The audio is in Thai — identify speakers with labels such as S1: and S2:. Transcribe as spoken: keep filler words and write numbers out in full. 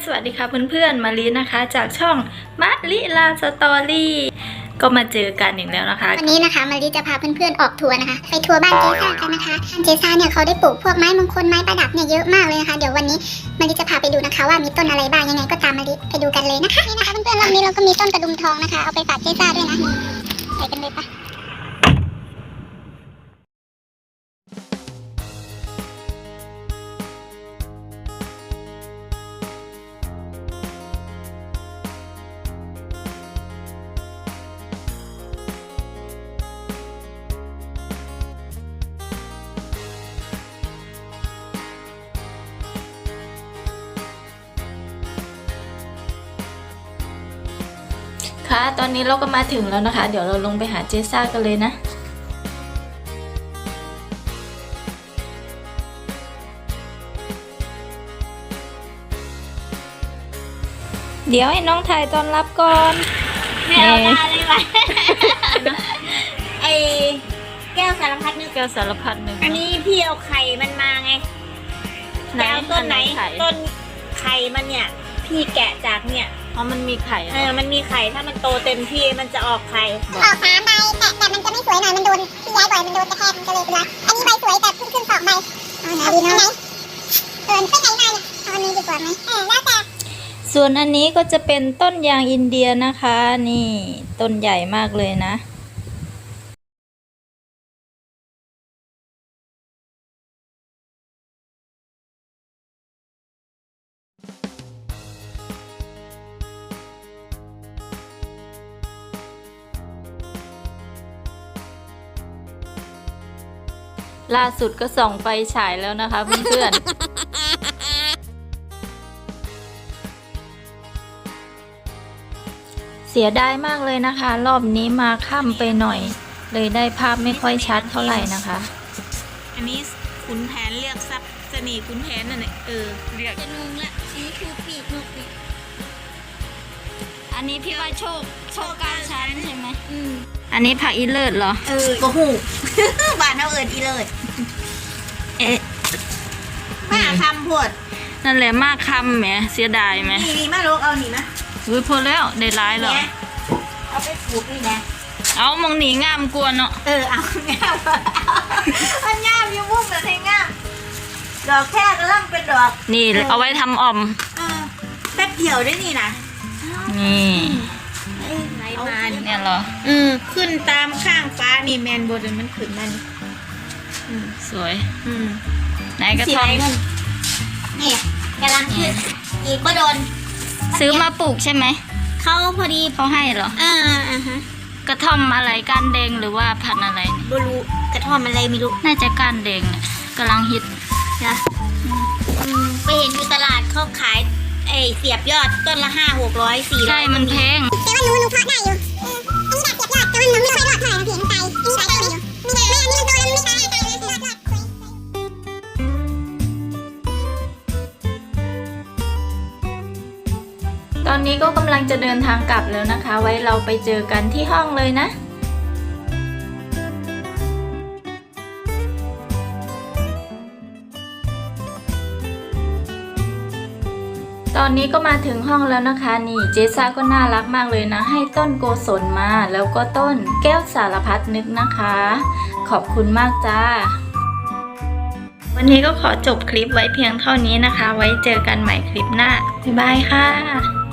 S1: สวัสดีค่ะเพื่อนๆมาลีนะคะจากช่องมะลิลาสตอรี่ก็มาเจอกันอีกแล้วนะคะ
S2: วันนี้นะคะมาลีจะพาเพื่อนๆออกทัวร์นะคะไปทัวร์บ้านเจซ่ากันนะคะบ้านเจซ่าเนี่ยเขาได้ปลูกพวกไม้มงคลไม้ประดับเนี่ยเยอะมากเลยนะคะเดี๋ยววันนี้มาลีจะพาไปดูนะคะว่ามีต้นอะไรบ้างยังไงก็ตามมาลีไปดูกันเลยนะคะนี่นะคะเพื่อนๆวันนี้เราก็มีต้นกระดุมทองนะคะเอาไปฝากเจซ่าด้วยนะนี่ไปกันเลยปะ
S1: ค่ะตอนนี้เราก็มาถึงแล้วนะคะเดี๋ยวเราลงไปหาเจซ่ากันเลยนะเดี๋ยวให้น้องถ่ายตอนรับก่อน
S2: ไม่เอามาเลยว่ะไอแก้วสารพัดนึก
S1: แก้วสารพัดนึก
S2: อันนี้พี่เอาไข่มันมาไงแก้วต้นไหนต้นไข่มันเนี่ยพี่แกะจากเนี่ย
S1: เพราะมันมีไข่
S2: เออมันมีไข่ถ้ามันโตเต็มที่มันจะออกไข่ออกสามใบแต่แต่มันจะไม่สวยหน่อยมันโดนพี่ย้ายบ่อยมันโดนกระแทกมันก็เลยเป็นไรอันนี้ใบสวยแต่เพิ่งขึ้นสองใบเอาไหนดีเนาะเออเป็นไหนมาเนี่ยเอาอันนี้ดีกว่าไหมเออแล้วแต่
S1: ส่วนอันนี้ก็จะเป็นต้นยางอินเดียนะคะนี่ต้นใหญ่มากเลยนะล่าสุดก็ส่องไฟฉายแล้วนะคะเพื่อนๆ เสียดายมากเลยนะคะรอบนี้มาค่ำไปหน่อยเลยได้ภาพไม่ค่อยชัดเท่าไหร่นะคะ
S3: อันนี้ขุนแผนเรียกซับเสน่ห์ขุนแผนนั่นแหละเออเรียก
S2: จะงงละอันนี้คือปีกนกปีก
S1: อันนี้พี่ว่าโชคโชคการชั้นใช่ไหม
S2: อืม
S1: อันนี้ผักอีเลิศเหรอ
S2: เออก็หูบ้านเอาเอิญอีเลิศ
S1: เอ๊ะ
S2: มาคำพด
S1: นั่นแหละมากคำแหมเสียดายไหม
S2: นี่นี่มาลูกเอาหนินะ
S1: อุ้ยพอแล้วได้ร้ายหรอ
S2: เอาไปปลูกนี่นะ
S1: เอามองหนีงามกวนเนาะ
S2: เออเอางามมันงามอยู่มุ้งแต่ให้งามดอกแค่กระลังเป็นดอก
S1: นี่เอาไว้ทำอ่อม
S2: เออแป๊บเดียวได้นี่นะ
S1: นี่
S2: ไหนมา
S1: เนี่ยเหรอ
S2: อืมขึ้นตามข้างฟ้านี่แมนโบดมันขึ้นมัน
S1: สวย
S2: อืม
S1: ไหนกระท่อม
S2: นี่กำลังขึ้นอีกก็โดน
S1: ซื้อมาปลูกใช่ไหม
S2: เขาพอดี
S1: เขาให้เหรอ
S2: อ่าอ่าฮะ
S1: กระท่อมอะไรก้านแดงหรือว่าพันธุ์อะไร
S2: บลูกระท่อมอะไรไม่รู้
S1: น่าจะก้านแดงกำลังฮิต
S2: นะอืมไปเห็นอยู่ตลาดเขาขายไอเสียบยอดต้นละห้าหกร้อยสี่
S1: ใช่มันแพง
S2: แต่ว่าหนูหนูเพาะได้อยู่อันนี้แบบเสียบยอดแต่ว่าหนูไม่ค่อยรอดเท่าไหร่นะพี่มันตายอันนี้ตายได้อยู่ไม่ได้ไม่อันนี้มันโตแล้วมันไม่ตายตายเลยรอดรอด
S1: ตอนนี้ก็กำลังจะเดินทางกลับแล้วนะคะไว้เราไปเจอกันที่ห้องเลยนะตอนนี้ก็มาถึงห้องแล้วนะคะนี่เจซ่าก็น่ารักมากเลยนะให้ต้นโกศลมาแล้วก็ต้นแก้วสารพัดนึกนะคะขอบคุณมากจ้าวันนี้ก็ขอจบคลิปไว้เพียงเท่านี้นะคะไว้เจอกันใหม่คลิปหน้าบ๊ายบายค่ะ